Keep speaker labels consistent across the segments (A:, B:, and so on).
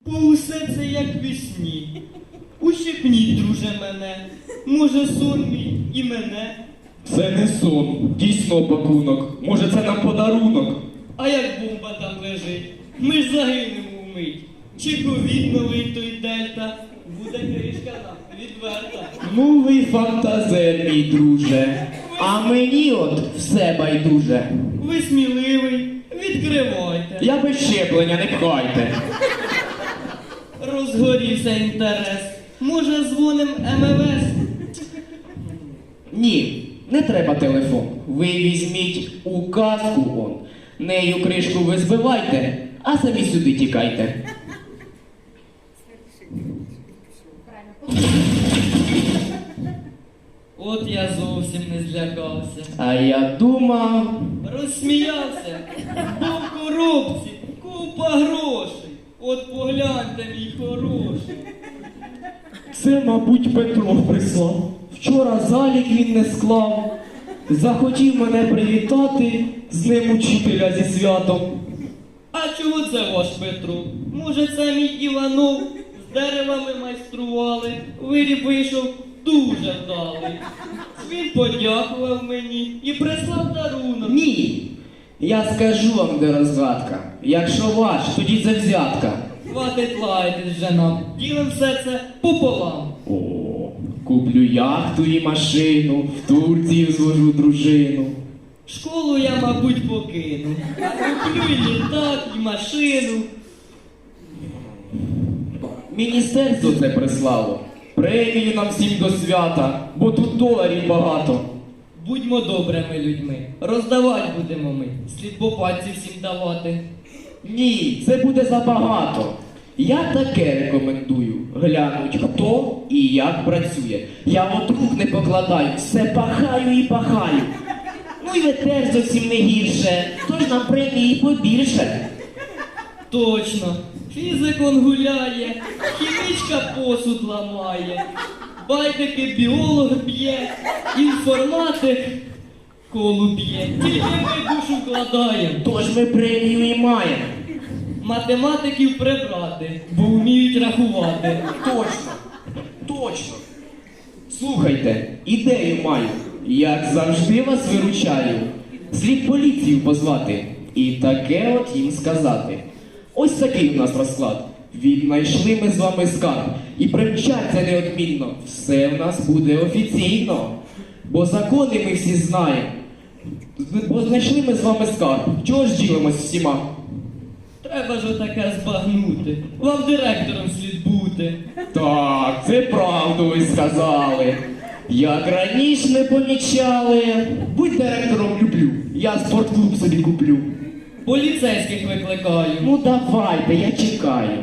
A: Бо усе це як вісні. Ущипніть, друже, мене. Може, сон мій і мене.
B: Це не сон, дійсно пакунок. Може, це нам подарунок.
A: А як бомба там лежить? Ми ж загинемо вмить. Чи ковід новий той дельта? Буде кришка нам відверта.
B: Ну ви фантазер, мій друже. А мені от все байдуже.
A: Ви сміливий, відкривайте.
B: Я без щеплення, не пхайте.
A: Розгорівся інтерес. Може, дзвоним МВС?
B: Ні, не треба телефон. Ви візьміть указку он. Нею кришку ви збивайте, а самі сюди тікайте.
A: От я зовсім не злякався.
B: А я думав...
A: Розсміявся. Бо в коробці купа грошей. От погляньте, мій хороший.
B: Це, мабуть, Петро прислав. Вчора залік він не склав. Захотів мене привітати з Днем Учителя зі святом.
A: А чого це ваш Петро? Може, це мій Іванов? З деревами майстрували. Виріб вийшов дуже вдалий. Він подякував мені і прислав дарунок.
B: Ні, я скажу вам, де розгадка. Якщо ваш, тоді це взятка.
A: Хватить лаятись вже нам. Ділим все це пополам.
B: О, куплю яхту і машину, в Турцію зложу дружину.
A: Школу я, мабуть, покину. А куплю і літак, і машину.
B: Міністерство це прислало. Премію нам всім до свята, бо тут доларів багато.
A: Будьмо добрими людьми. Роздавати будемо ми. Слід по пальці всім давати.
B: Ні, це буде забагато. Я таке рекомендую. Глянуть, хто і як працює. Я от рук не покладаю, все пахаю і пахаю. Ну і ви теж зовсім не гірше, тож нам премії побільше.
A: Точно. Фізик он гуляє, хімічка посуд ламає, байдики біолог б'є, інформатик колу б'є. Тільки ми душу вкладаємо.
B: Тож ми премію і маємо.
A: Математиків прибрати, бо вміють рахувати.
B: Точно, точно. Слухайте, ідею маю. Як завжди вас виручаю. Слід поліцію позвати і таке от їм сказати. Ось такий у нас розклад. Віднайшли ми з вами скарб і примчаться неодмінно. Все в нас буде офіційно. Бо закони ми всі знаємо. Бо знайшли ми з вами скарб. Чого ж ділимось всіма?
A: Треба ж отаке збагнути. Вам директором слід бути.
B: Так, це правду ви сказали. Як раніше не помічали. Будь директором люблю. Я спортклуб собі куплю.
A: Поліцейських викликаю.
B: Ну давайте, я чекаю.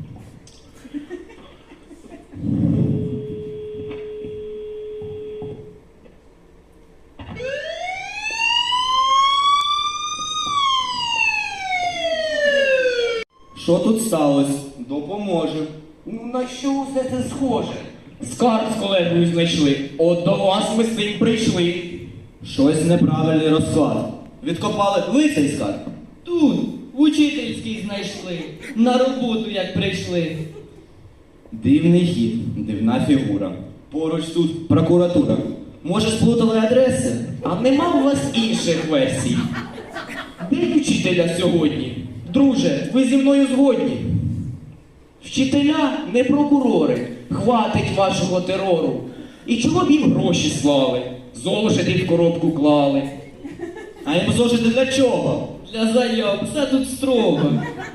C: Що тут сталося? Допоможем.
B: Ну на що все це схоже? Скарб з колегою знайшли. От до вас ми з цим прийшли.
C: Щось неправильний розклад. Відкопали ви цей скарб?
A: Тут, в учительській знайшли. На роботу як прийшли.
C: Дивний хід, дивна фігура. Поруч тут прокуратура. Може, сплутали адреси?
B: А нема у вас інших версій? День вчителя сьогодні. Друже, ви зі мною згодні. Вчителя не прокурори. Хватить вашого терору. І чого б їм гроші слали? Зошити в коробку клали.
C: А їм зошити для чого?
A: Для заяв, все тут строго.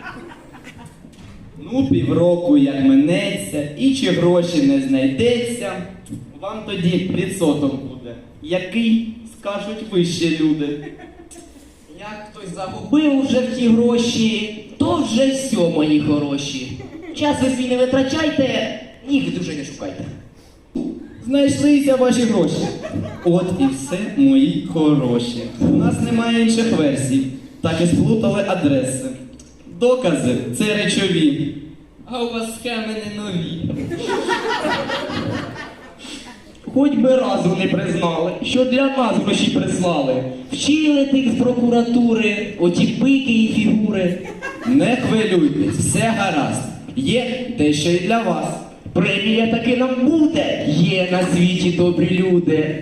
C: Ну, півроку як минеться, і чи гроші не знайдеться, вам тоді відсоток буде. Який, скажуть вищі люди.
B: Як хтось загубив уже в ті гроші, то вже все, мої хороші. Час ви свій не витрачайте, ніг дуже не шукайте.
C: Знайшлися ваші гроші. От і все, мої хороші. У нас немає інших версій. Так і сплутали адреси. Докази – це речові.
A: А у вас схеми не нові.
B: Хоч би разу не признали, що для нас гроші прислали. Вчили тих з прокуратури, оті пики і фігури.
C: Не хвилюйтесь, все гаразд. є дещо і для вас.
B: Премія таки нам буде. Є на світі добрі люди.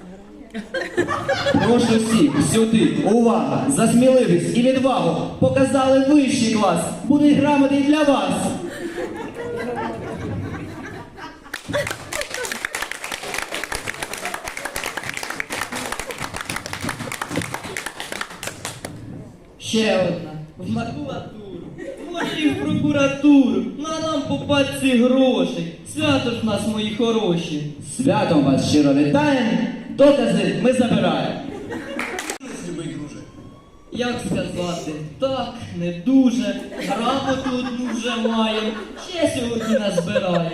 C: Прошу всіх сюди, увага, за сміливість і відвагу. Показали вищий клас, будуть грамоти і для вас.
A: Ще одна. В макулатуру. Може і в прокуратуру. На нам по пачці грошей. Свято ж в нас, мої хороші.
C: Святом вас щиро вітаємо, докази ми забираємо.
A: Як сказати? Так, не дуже. Грамоту одну вже маємо. Ще сьогодні назбираємо.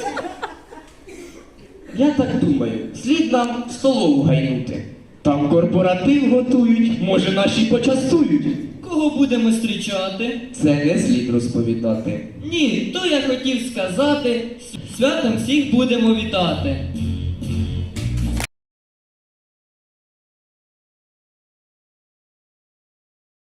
B: Я так думаю, слід нам в столову гайнути. Там корпоратив готують, може наші почастують.
A: Кого будемо зустрічати?
B: Це не слід розповідати.
A: Ні, то я хотів сказати, святом всіх будемо вітати.